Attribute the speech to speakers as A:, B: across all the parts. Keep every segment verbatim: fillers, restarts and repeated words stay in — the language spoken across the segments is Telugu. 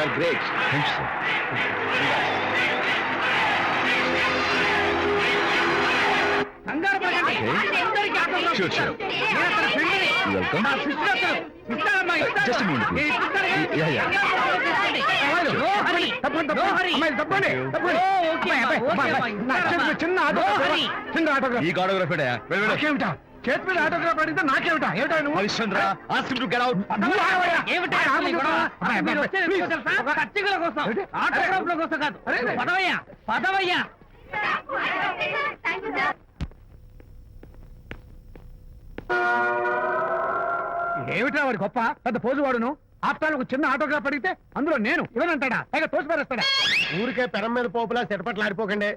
A: గ్రేట్. Thanks sir.
B: కంగారు పడకండి. అందరికీ ఆటోగ్రాఫ్
A: Sure,
B: ఇస్తారు.
A: sure.
B: నేను అతని ఫ్రెండ్ని.
A: Welcome.
B: నా సిస్టర్ అతను. ఇస్తానమ్మా, ఇస్తాను.
A: Just a minute, please.
B: నేను ఇస్తాను కానీ
A: Yeah, yeah.
B: కంగారు పడకండి. అమ్మాయిలు, no hurry. No hurry. ఓ, ఓకే అమ్మా, ఓకే అమ్మా, ఇస్తానమ్మా.
C: చిన్న
B: No
C: ఆటోగ్రాఫ్
B: hurry.
C: చిన్న ఆటోగ్రాఫ్
A: ఈ ఆటోగ్రాఫ్
C: నాకేమిటా చేతి మీద ఆటోగ్రాఫ్ అడిగితే నాకేమిటా ఏమిటా నువ్వు
A: Harishchandra ask him to get out.
C: నువ్వు ఆగవయ్యా.
B: ఏమిటా
C: ఆగు,
B: అసలు ఈ గొడవ?
C: అమ్మాయి,
B: మీరు
C: అమ్మాయి,
B: వచ్చేది
C: please.
B: ఎందుకో తెలుసా?
C: ఒక
B: పచ్చికల కోసం,
C: ఏంటి?
B: ఆటోగ్రాఫ్ల కోసం కాదు.
C: అరే, అరే.
B: పదవయ్యా, పదవయ్యా.
C: ఏమిటా వాడి గొప్ప పెద్ద పోజు వాడును ఆఫ్టర్ ఒక చిన్న ఆటోగ్రాఫ్ అడిగితే అందులో నేను ఇవ్వనంటాడా పైగా తోసి పారేస్తాడా ఊరికే పెరం మీద పోపులా చెట్పట్లు ఆడిపోకండి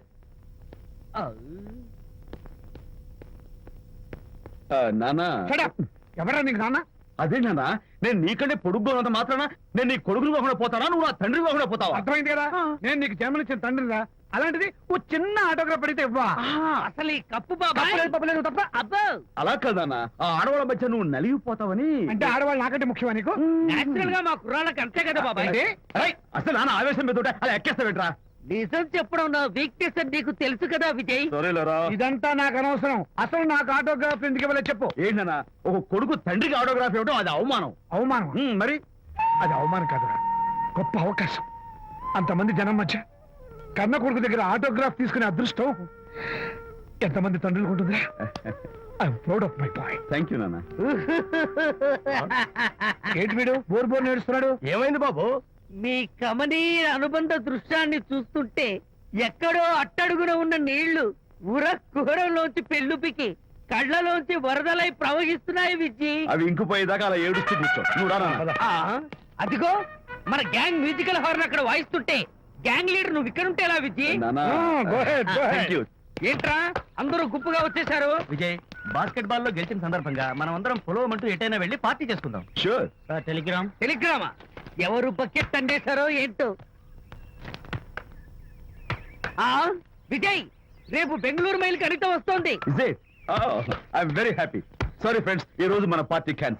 A: నానా
C: ఎవరా నీకు నాన్న
A: అదే నానా, నేను నీకంటే పొడుగ్గా ఉన్నంత మాత్రాన నేను నీ కొడుకుని కాకుండా పోతానా, నువ్వు నా తండ్రి కాకుండా పోతావా?
C: అర్థమైంది కదా నేను నీకు జన్మనిచ్చిన తండ్రిరా అలాంటిది ఓ చిన్న ఆటోగ్రాఫ్ అడిగితే ఇవ్వా
B: అసలు ఈ కప్పు బాబాయ్
C: తప్పలేదు, తప్పలేదు, తప్ప
B: అబ్బో
A: అలా కాదన్నా, ఆ ఆడవాళ్ళ మధ్య నువ్వు నలిగిపోతావని.
C: అంటే ఆడవాళ్ళు నాకంటే ముఖ్యమా నీకు
B: నేచురల్ గా మా కుర్రాళ్ళకి అంతే కదా బాబాయ్.
C: ఏంటి?
A: ఏయ్, అసలు నాన్న ఆవేశం మీద ఉంటే అలా ఎక్కేస్తావేట్రా?
B: నిజం చెప్పడం నా వీక్నెస్ అని నీకు తెలుసు కదా విజయ్.
A: సరేలేరా.
C: ఇదంతా నాకు అనవసరం అసలు నాకు ఆటోగ్రాఫ్ ఎందుకు ఇవ్వలేదు చెప్పు
A: ఏంటన్నా, ఒక కొడుకు తండ్రికి ఆటోగ్రాఫ్ ఇవ్వడం అది అవమానం.
C: అవమానం
A: ఉమ్, మరి
C: అది అవమానం కాదురా గొప్ప అవకాశం అంతమంది జనం మధ్య కన్న కొడుకు దగ్గర ఆటోగ్రాఫ్ తీసుకునే అదృష్టం ఎంతమంది తండ్రులకు ఉంటుందిరా I'm proud of my boy
A: thank you నాన్న.
C: ఏంటి వీడు బోర్ బోర్ నేడుస్తున్నాడు ఏమైంది బాబు
B: మీ కమనీయ అనుబంధ దృశ్యాన్ని చూస్తుంటే ఎక్కడో అట్టడుగున ఉన్న నీళ్లు ఉర కుహరంలోంచి పెళ్ళుపికి కళ్ళలోంచి వరదలై ప్రవహిస్తున్నాయి విజ్జి.
A: అవి ఇంకుపోయేదాకా అలా ఏడుస్తూ కూర్చో. నువ్వు రా నాన్న.
B: ఆ, అదిగో మన గ్యాంగ్ మ్యూజికల్ హార్న్ అక్కడ వాయిస్తుంటే గ్యాంగ్ లీడర్ నువ్వు ఇక్కడ ఉంటే ఎలా విజ్జి?
A: నాన్న,
C: go ahead, go ahead.
A: Thank you.
B: ఏంట్రా అందరూ గుంపుగా వచ్చేసారు?
D: విజయ్, బాస్కెట్ బాల్ లో గెలిచిన సందర్భంగా మనం అందరం పొలవమంటూ ఎటైనా వెళ్ళి పార్టీ చేసుకుందాం.
A: షూర్.
D: టెలిగ్రామ్.
B: టెలిగ్రామా? ఎవరు బకెట్ అండేశారో ఏంటో. ఆ విజయ్, రేపు బెంగళూరు మైల్ కడిత వస్తోంది.
A: Is it? Oh, I'm very happy. Sorry friends, ఈ రోజు మన పార్టీ క్యాన్సిల్.